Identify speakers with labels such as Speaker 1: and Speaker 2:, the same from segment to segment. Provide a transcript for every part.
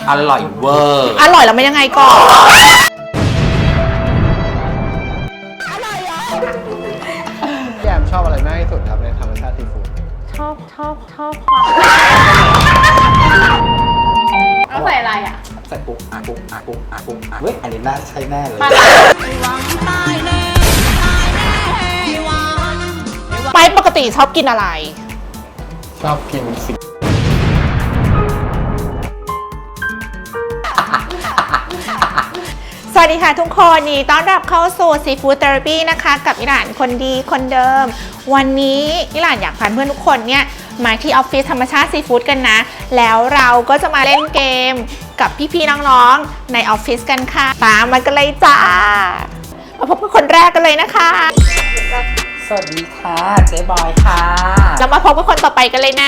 Speaker 1: อร่อยเวอร์
Speaker 2: อร่อยแล้วมันยังไงก่อน
Speaker 3: พี่แอมชอบอะไรมากที่สุดครับในธรรมชาติซีฟู้ด
Speaker 4: ชอบความแล้วใส่อะไรอ่ะ
Speaker 1: ใส่ปุ๊กปุ๊กปุ๊กปุ๊กเฮ้ยอันนี้น่าใช้แน่เลย
Speaker 2: ไปปกติชอบกินอะไร
Speaker 3: ชอบกินสิ
Speaker 2: สวัสดีค่ะทุกคนนี่ต้อนรับเข้าสู่ Seafood Therapy นะคะกับอิหร่านคนดีคนเดิมวันนี้อิหร่านอยากพาเพื่อนทุกคนเนี่ยมาที่ออฟฟิศธรรมชาติซีฟู้ดกันนะแล้วเราก็จะมาเล่นเกมกับพี่ๆน้องๆในออฟฟิศกันค่ะตามมากันเลยจ้ามาพบกับคนแรกกันเลยนะคะ
Speaker 1: สวัสดีค่ะเจ๊บอยค่ะ
Speaker 2: เรามาพบกับคนต่อไปกันเลยนะ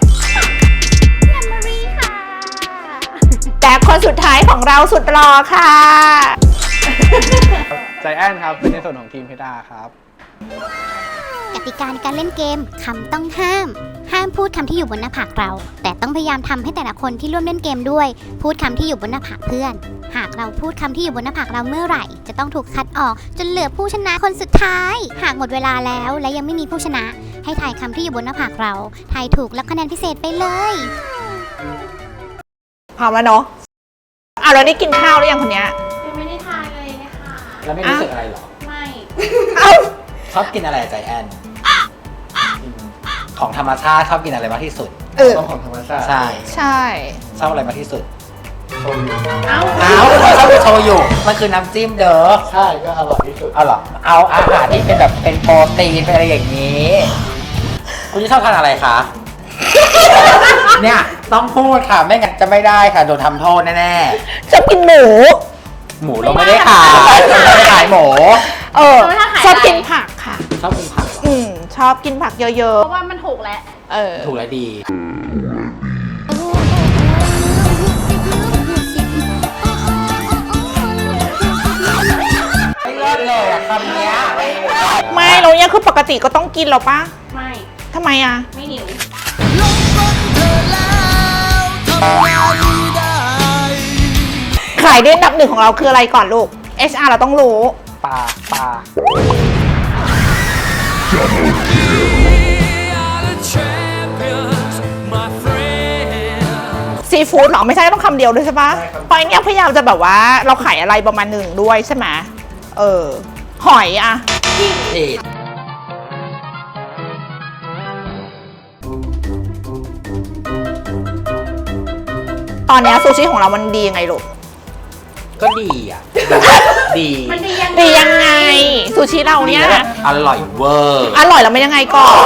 Speaker 2: แต่คนสุดท้ายของเราสุดหล่อค่ะ
Speaker 3: ใจแอนครับเป็นในส่วนของทีมพิดาครับ
Speaker 5: กติกาในการเล่นเกมคำต้องห้ามพูดคำที่อยู่บนหน้าผากเรา แต่ต้องพยายามทำให้แต่ละคนที่ร่วมเล่นเกมด้วยพูดคำที่อยู่บนหน้าผากเพื่อนหากเราพูดคำที่อยู่บนหน้าผากเราเมื่อไหร่จะต้องถูกคัดออกจนเหลือผู้ชนะคนสุดท้ายหากหมดเวลาแล้วและยังไม่มีผู้ชนะให้ทายคำที่อยู่บนหน้าผากเราทายถูกรับคะแนนพิเศษไปเลย
Speaker 2: พร้อมแล้วเนาะเราได้กินข้าวหรือยังคนเนี้ย
Speaker 4: ยังไม่ได้ทานเลยนะคะ
Speaker 1: แล้วไม่รู้สึกอะไรหรอ
Speaker 4: ไม่
Speaker 1: ชอบกินอะไรใจแอนของธรรมชาติชอบกินอะไรมากที่สุด
Speaker 3: ของธรรมชาติ
Speaker 1: ใช่ชอบอะไรมากที่สุด
Speaker 3: โชยุ
Speaker 1: ชอบกินโชยุมันคือน้ำจิ้มเด้อ
Speaker 3: ใช่ก็อร่อยที่สุด
Speaker 1: เอาหรอเอาอาหารที่เป็นแบบเป็นโปรตีนเป็นอะไรอย่างนี้คุณชอบทานอะไรคะเนี่ยต้องพูดค่ะไม่งั้นจะไม่ได้ค่ะโดนทำโทษแน่
Speaker 2: ๆชอบกินหมู
Speaker 1: เราไม่ได้ขายเราไม่ขายหมู
Speaker 2: ชอบกินผักค่ะ
Speaker 1: ชอบกินผัก
Speaker 2: ชอบกินผักเยอะ
Speaker 4: ๆเพราะว่ามันถูกแล้ว
Speaker 1: ถูกแล้วดีไม่เลิศเลยอะคำเนี้ย
Speaker 2: ไม่เราเนี่ยคือปกติก็ต้องกินหรอปะ
Speaker 4: ไม่
Speaker 2: ทำไมอะ
Speaker 4: ไม่หิว
Speaker 2: ขายเด่นอันดับหนึ่งของเราคืออะไรก่อนลูก HR เราต้องรู้
Speaker 1: ปลา
Speaker 2: ซีฟู้ดหรอไม่ใช่ต้องคำเดียวด้วยใช่ปะพอยเนี่ยพยายามจะแบบว่าเราขายอะไรประมาณหนึ่งด้วยใช่ไหมหอยอะตอนนี้ซูชิของเรามันดียังไงลูก
Speaker 1: ก็ดีอ่ะดี
Speaker 4: มันดี
Speaker 2: ยังไงซูชิเราเนี่ย
Speaker 1: อร่อยเวอร์
Speaker 2: อร่อยแล้วมันยังไงก่อน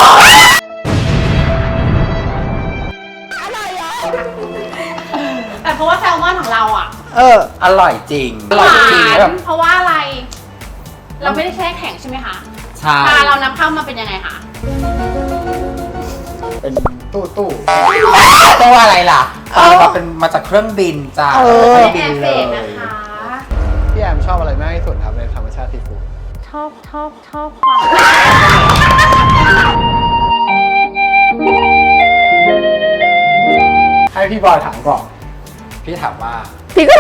Speaker 4: แต่เพราะว่าแซลมอนของเราอ่ะ
Speaker 1: อร่อยจริงอร่อยจริง
Speaker 4: เพราะว่าอะไรเราไม่ได้แช่แข็งใช่ไหมคะ
Speaker 1: ใช่
Speaker 4: ปลาเรานำเข้ามาเป็นยังไงคะ
Speaker 3: เป็นตู้
Speaker 1: ตัวอะไรล่ะเป็นมาจากเครื่องบินจ้าเครื่องบินเลย
Speaker 4: นะคะ
Speaker 3: พี่แอมชอบอะไรมากที่สุดครับในธรรมชาติซีฟู้ด
Speaker 4: ชอบความ
Speaker 3: ให้พี่บอยถามก่อน
Speaker 1: พี่ก็ถามว่า
Speaker 3: วิอะไร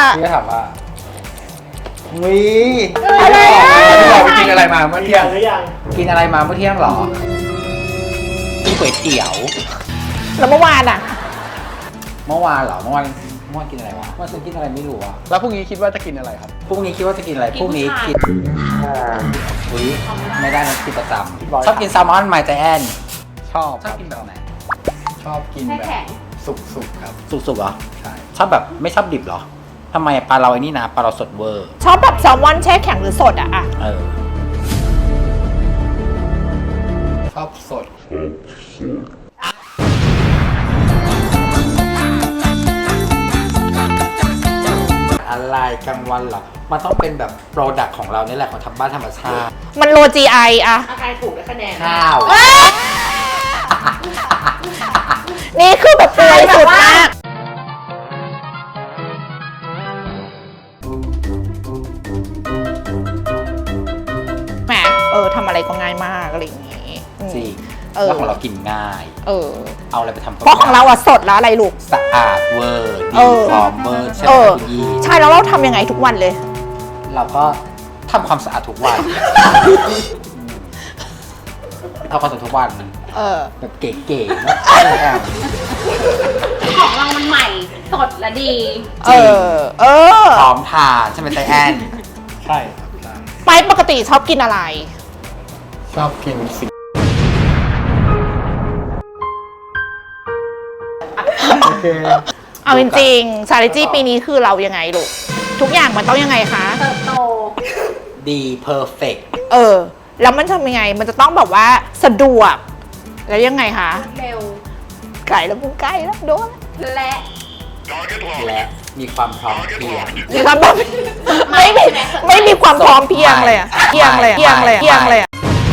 Speaker 3: พี่บอยกินอะไรมาเมื่อเที่ยง
Speaker 1: กินอะไรมาเมื่อเที่ยงหรอกินก๋วยเตี๋ยว
Speaker 2: แล้วเมื่อวานอะ
Speaker 1: เมื่อวานกินอะไรวะเมื่อวานกินอะไรไม่รู้อะ
Speaker 3: แล้วพรุ่งนี้คิดว่าจะกินอะไรครับ
Speaker 1: พรุ่งนี้คิดว่าจะกินอะไรพรุ่งนี้กินไม่ได้นะกินประจำชอบกินแซลมอนไมใจแอน
Speaker 3: ชอบ
Speaker 1: กินแบบไหน
Speaker 3: ชอบกินแบบสุกครับ
Speaker 1: สุกเหรอ
Speaker 3: ใช่
Speaker 1: ชอบแบบไม่ชอบดิบเหรอทำไมปลาเราไอ้นี่นะปลาเราสดเวอร์
Speaker 2: ชอบแบบแซลมอนแช่แข็งหรือสดอะ
Speaker 3: ชอบสด
Speaker 1: อะไรกลางวันหรอมันต้องเป็นแบบโปรดักต์ของเรานี่แหละของทำบ้านธรรมชาติ
Speaker 2: มันโล GI อะ
Speaker 4: ใครถูกได้คะแนน
Speaker 1: ข้าว
Speaker 2: นี่คือแบบตัวสุดมากแหมทำอะไรก็ง่ายมากอะไรอย่างงี้
Speaker 1: จริงแล้วของเรากินง่าย เอาอะไรไปทำ
Speaker 2: เพราะของเราอะสดแล้วอะไรลูก
Speaker 1: สะอาดเวอร์ดีฟอร์มเวอร์ใช่ไหมคุณยี่
Speaker 2: ใช่แล้วเราทำยังไงทุกวันเลย
Speaker 1: เราก็ทำความสะอาดทุกวันทำความสะอาดทุกวันแบบเก๋ๆนะแอม
Speaker 4: ของเรามันใหม่สดและดี
Speaker 1: จริงพร้อมทานใช่ไหมใจแอน
Speaker 3: ใช่ใช่
Speaker 2: ไปปกติชอบกินอะไร
Speaker 3: ชอบกินสิ โอเค
Speaker 2: เอาจริงๆ strategy ปีนี้คือเรายังไงลูก ทุกอย่างมันต้องยังไงคะ
Speaker 4: เติบโต
Speaker 1: ดีเพอร์เฟกต์
Speaker 2: แล้วมันทำยังไง มันจะต้องแบบว่าสะดวก แล้วยังไงคะ
Speaker 4: เร็ว
Speaker 2: ไก่แล้วมึงไก่แล้วโดน
Speaker 4: และ
Speaker 1: และมีความพร้อมเพรียง
Speaker 2: มีความแบบไม่มีความพร้อมเพรียงเลยอะเพียงเลยอะ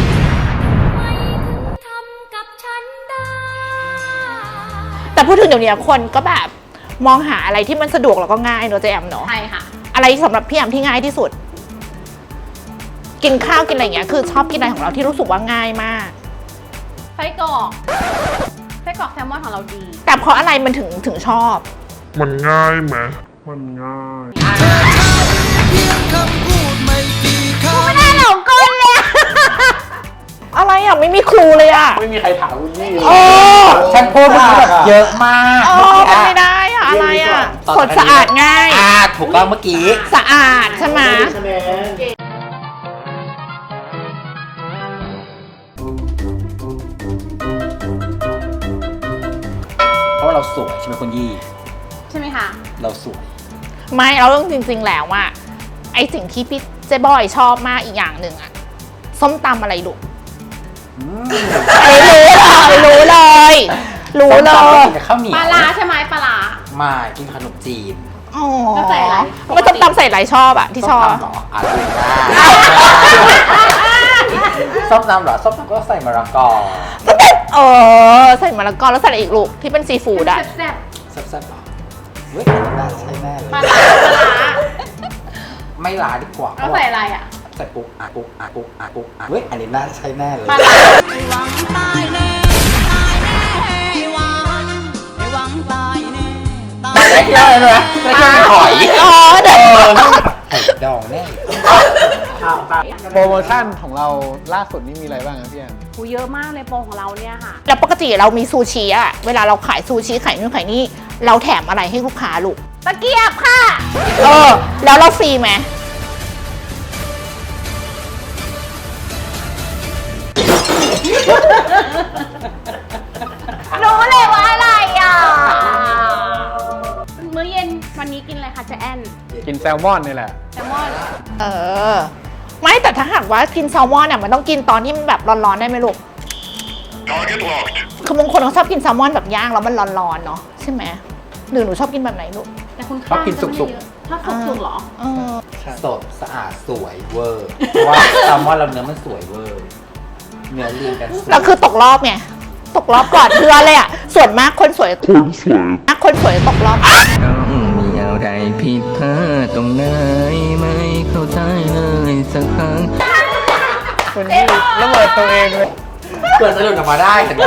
Speaker 2: แต่พูดถึงเดี๋ยวนี้คนก็แบบมองหาอะไรที่มันสะดวกแล้วก็ง่ายเนอะเจแอมเนอะ
Speaker 4: ใช่ค่ะ
Speaker 2: อะไรสำหรับพี่แอมที่ง่ายที่สุด กินข้าวกินอะไรอย่างเงี้ยคือชอบกินอะไรของเราที่รู้สึกว่าง่ายมาก
Speaker 4: ไส้กรอกแซลมอนของเราดี
Speaker 2: แต่เพราะอะไรมันถึงชอบ
Speaker 6: มันง่ายไหมมันง่าย
Speaker 2: ไม่ได้หลงกลเลยอะไรอ่ะไม่มีครูเลยอ่ะ
Speaker 3: ไม่มีใครถามคุณยี่
Speaker 2: โอ้
Speaker 1: ฉันพูดแบบเยอะมาก
Speaker 2: มันไม่ได้อ่ะอะไรอ่ะสดสะอาดง่าย
Speaker 1: ถูกต้องเมื่อกี้
Speaker 2: สะอาดใช่ไหม
Speaker 3: คะแนน
Speaker 1: เพราะว่าเราสวยใช่ไหมคุณยี่
Speaker 4: ใช่ไหมคะ
Speaker 1: เราสวย
Speaker 2: ไม่เราเรื่องจริง ๆ แล้วอ่ะไอสิ่งที่พี่เจ๊บอยชอบมากอีกอย่างหนึ่งอ่ะส้มตำอะไรลูกรู้เลย
Speaker 1: ส้มตำก็กินกับข้าวเหนียว
Speaker 4: ปลาร้าใช่ไหมปลาร้า
Speaker 1: มากินขนมจีน
Speaker 2: อ๋อ
Speaker 4: แล้วใส่อะไร
Speaker 2: มันส้มตำใส่อะไรชอบอ่ะที่ชอบ
Speaker 1: ส้มตำเหรอดูได้ส้มตำเหรอส้มตำก็ใส่มะละกอ
Speaker 2: ใส่มะละกอแล้วใส่อะไรอีกลูกที่เป็นซีฟู้ดอ่ะ
Speaker 4: แซ่บ
Speaker 1: แซ่บๆเหรอเว้ยน่าใช่แน่เลย
Speaker 4: ๆปลาร้า
Speaker 1: ไม่ลาดีกว่า
Speaker 4: แล้วใส่อะไรอ่ะ
Speaker 1: ใส่ปุ๊บเว้ยอันนี้น่าใช่แน่เลย
Speaker 4: ปลาร้า
Speaker 1: ได้เยอะเลยนะได้เยอะหอย
Speaker 2: เดี๋ยว
Speaker 1: ไข่ดองแน่
Speaker 3: โปรโมชั่นของเราล่าสุดนี่มีอะไรบ้างครับพี่แอม
Speaker 4: หูเยอะมากเลยโปรของเราเนี่ยค่ะ
Speaker 2: แล้วปกติเรามีซูชิอะเวลาเราขายซูชิขายนู่นขายนี่เราแถมอะไรให้ลูกค้าลูก
Speaker 4: ตะเกียบค่ะ
Speaker 2: แล้วเราฟรีไหม
Speaker 4: รู้เลยว่าอะไรอ่ะ มื้อเย็นวันนี้กินอะไรคะเจ๊แอน
Speaker 3: กินแซลมอนนี่แหละ
Speaker 4: แซลมอน
Speaker 2: ไม่แต่ถ้าหากว่ากินแซลมอนเนี่ยมันต้องกินตอนที่มันแบบร้อนๆได้ไหมลูก คือบางคนเขาชอบกินแซลมอนแบบย่างแล้วมันร้อนๆเนาะใช่ไหมหรือหนูชอบกินแบบไหนลูก
Speaker 4: แต่คุณ
Speaker 1: ชอบกินสุก
Speaker 4: ชอบสุกๆเหรอ
Speaker 1: ๆสดสะอาดสวยเวอร์เพราะว่าแซลมอนเราเนื้อมันสวยเวอร์เนื้อเรียงกันสวย
Speaker 2: เราคือตกรอบไงตกรอบก่อนเพื่อเลยอ่ะส่วนมากคนสวยตกรอบ
Speaker 7: มีอะไรผิดพลาดตรงไหนไม่เข้าใจเลยสักครั้ง
Speaker 3: คุณยี่ระเบิดตัวเองเลย
Speaker 1: เปิดสะดุดออกมาได้เห็นไหม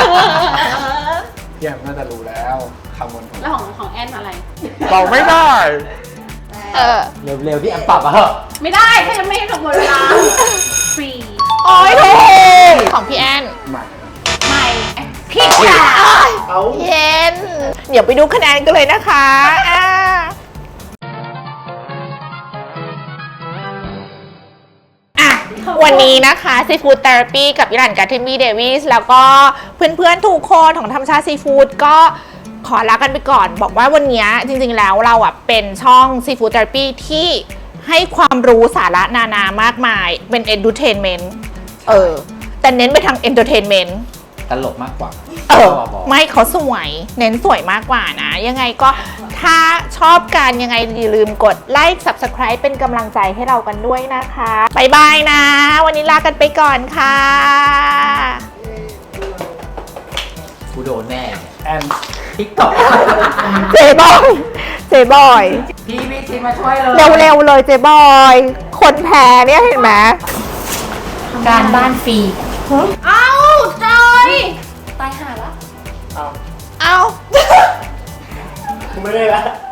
Speaker 3: พี่แอมน่าจะรู้แล้วคำบนของ
Speaker 4: แล้วของแอนอะไร
Speaker 3: เราไม่ได้
Speaker 1: เร็วๆพี่แอมปรับมาเหอะ
Speaker 4: ไม่ได้ถ้ายังไม่ให้กับหมดเวลาฟรี
Speaker 2: โอ้ยถูกของพี่แอน
Speaker 3: ใหม่
Speaker 4: ใหม่
Speaker 2: พี่จ๋าเย็นเดี๋ยวไปดูคะแนนกันเลยนะคะวันนี้นะคะ Seafood Therapy กับยิรันกับเทนมี่เดวิสแล้วก็เพื่อนๆทุกคนของธรรมชาติซีฟู้ดก็ขอลากันไปก่อน บอกว่าวันนี้จริงๆแล้วเราเป็นช่อง Seafood Therapy ที่ให้ความรู้สาระนานามากมายเป็น entertainment แต่เน้นไปทาง entertainment
Speaker 1: ตลกมากกว่า
Speaker 2: ไม่เขาสวยเน้นสวยมากกว่านะยังไงก็ถ้าชอบกันยังไงอย่าลืมกดไลค์ Subscribe เป็นกำลังใจให้เรากันด้วยนะคะบ๊ายบายนะวันนี้ลากันไปก่อนค่ะ
Speaker 1: กูโดนแน่
Speaker 3: แอน
Speaker 1: ทิกตอก
Speaker 2: เจบอย
Speaker 1: พี่ทีมาช่วยเลย
Speaker 2: เร็วๆเลยเจบอยคนแพ้เนี่ยเห็นไหม
Speaker 1: การบ้านฟรี
Speaker 4: เอ้าใจตายห่าละ
Speaker 2: เอา
Speaker 3: กูไม่ได้ละ